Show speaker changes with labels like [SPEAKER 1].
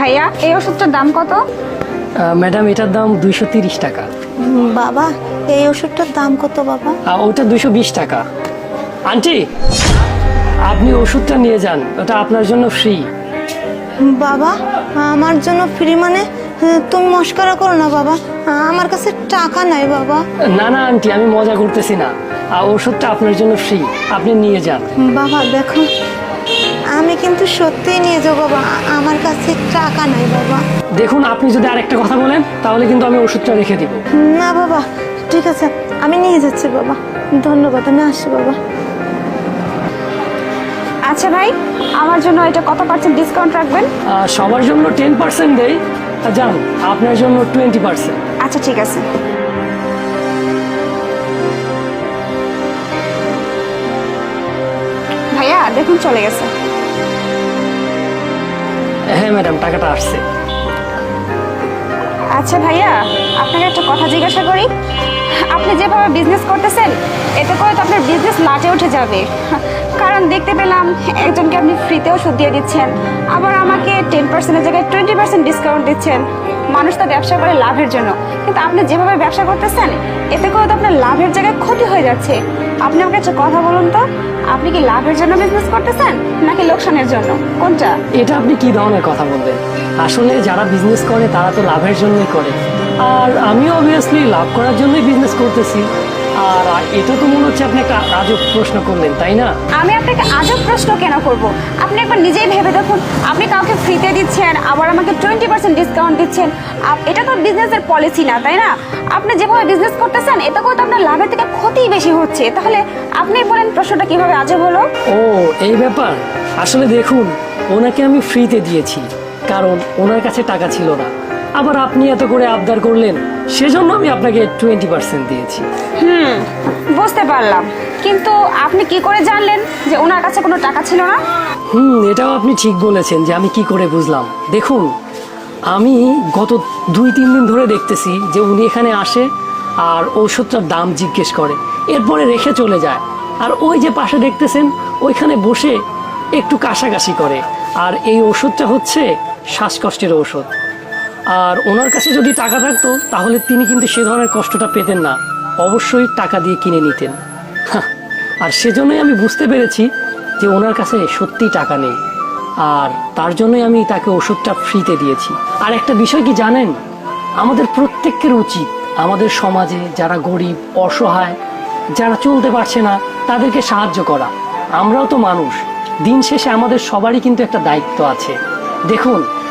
[SPEAKER 1] ভাইয়া এই ওষুধটার দাম কত?
[SPEAKER 2] ম্যাডাম এটার দাম 230 টাকা।
[SPEAKER 3] বাবা এই ওষুধটার দাম কত বাবা?
[SPEAKER 2] ওটা 220 টাকা। আন্টি আপনি ওষুধটা নিয়ে যান, ওটা আপনার জন্য ফ্রি।
[SPEAKER 3] বাবা আমার জন্য ফ্রি মানে? তুমি মস্করা করো না বাবা, আমার কাছে টাকা নাই বাবা।
[SPEAKER 2] না না আন্টি, আমি মজা করতেছি না, ওষুধটা আপনার জন্য ফ্রি, আপনি নিয়ে যান।
[SPEAKER 3] বাবা দেখো আমি কিন্তু সত্যিই নিয়ে যাবো বাবা, আমার কাছে টাকা নাই বাবা।
[SPEAKER 2] দেখুন আপনি যদি আরেকটা কথা বলেন তাহলে কিন্তু আমি ওষুধটা রেখে দিব।
[SPEAKER 3] না বাবা ঠিক আছে, আমি নিয়ে যাচ্ছি বাবা, ধন্যবাদ, আমি আসছি বাবা।
[SPEAKER 1] আচ্ছা ভাই, আমার জন্য এটা কত পার্সেন্ট ডিসকাউন্ট রাখবেন?
[SPEAKER 2] সবার জন্য 10% দেই, যান আপনার জন্য 20%।
[SPEAKER 1] আচ্ছা ঠিক আছে। ভাইয়া দেখুন চলে গেছে।
[SPEAKER 2] হ্যাঁ ম্যাডাম, টাকাটা আসছে।
[SPEAKER 1] আচ্ছা ভাইয়া, আপনাকে একটা কথা জিজ্ঞাসা করি, আপনি যেভাবে বিজনেস করতেছেন এতে করে তো আপনার বিজনেস লাটে উঠে যাবে। কারণ দেখতে পেলাম একজনকে আপনি ফ্রিতে ওষুধ দিয়ে দিচ্ছেন, আবার আমাকে 10%-এর জায়গায় 20% ডিসকাউন্ট দিচ্ছেন। মানুষ তো ব্যবসা করে লাভের জন্য, কিন্তু আপনি যেভাবে ব্যবসা করতেছেন এতে করে তো আপনার লাভের জায়গায় ক্ষতি হয়ে যাচ্ছে। আপনি আমাকে একটা কথা বলুন তো, আপনি কি লাভের জন্য বিজনেস করতেছেন নাকি লোকসানের জন্য, কোনটা?
[SPEAKER 2] এটা আপনি কি ধরনের কথা বলবেন? আসলে যারা বিজনেস করে তারা তো লাভের জন্যই করে, আর আমিও অবভিয়াসলি লাভ করার জন্যই বিজনেস করতেছি। আর এটা তো মনে হচ্ছে আপনি একটা আজব প্রশ্ন করলেন, তাই না?
[SPEAKER 1] আমি আপনাকে আজব প্রশ্ন কেন করব? আপনি একবার নিজেই ভেবে দেখুন, আপনি কাউকে ফ্রিতে দিচ্ছেন আবার আমাকে 20% ডিসকাউন্ট দিচ্ছেন, এটা তো বিজনেসের পলিসি না, তাই না? আপনি যেভাবে বিজনেস করতেছেন এতে করে তো আপনার লাভের থেকে ক্ষতিই বেশি হচ্ছে। তাহলে আপনি বলেন প্রশ্নটা কিভাবে আজব হলো?
[SPEAKER 2] ও এই ব্যাপার। আসলে দেখুন, ওনাকে আমি ফ্রিতে দিয়েছি কারণ ওনার কাছে টাকা ছিল না, আবার আপনি এত করে আবদার করলেন সেজন্য আমি আপনাকে 20% দিয়েছি।
[SPEAKER 1] বুঝতে পারলাম, কিন্তু আপনি কি করে জানলেন যে ওনার কাছে কোনো টাকা ছিল না?
[SPEAKER 2] এটাও আপনি ঠিক বলেছেন যে আমি কি করে বুঝলাম। দেখুন আমি গত 2-3 দিন ধরে দেখতেছি যে উনি এখানে আসে আর ঔষধটার দাম জিজ্ঞেস করে, এরপরে রেখে চলে যায়। আর ওই যে পাশে দেখতেছেন ওইখানে বসে একটু কাশাকাশি করে, আর এই ওষুধটা হচ্ছে শ্বাসকষ্টের ঔষধ। আর ওনার কাছে যদি টাকা থাকতো তাহলে তিনি কিন্তু সে ধরনের কষ্টটা পেতেন না, অবশ্যই টাকা দিয়ে কিনে নিতেন। আর সেজন্যই আমি বুঝতে পেরেছি যে ওনার কাছে সত্যিই টাকা নেই, আর তার জন্যই আমি তাকে ওষুধটা ফ্রিতে দিয়েছি। আর একটা বিষয় কি জানেন, আমাদের প্রত্যেকের উচিত আমাদের সমাজে যারা গরিব, অসহায়, যারা চলতে পারছে না তাদেরকে সাহায্য করা। আমরাও তো মানুষ, দিন শেষে আমাদের সবারই কিন্তু একটা দায়িত্ব আছে। দেখুন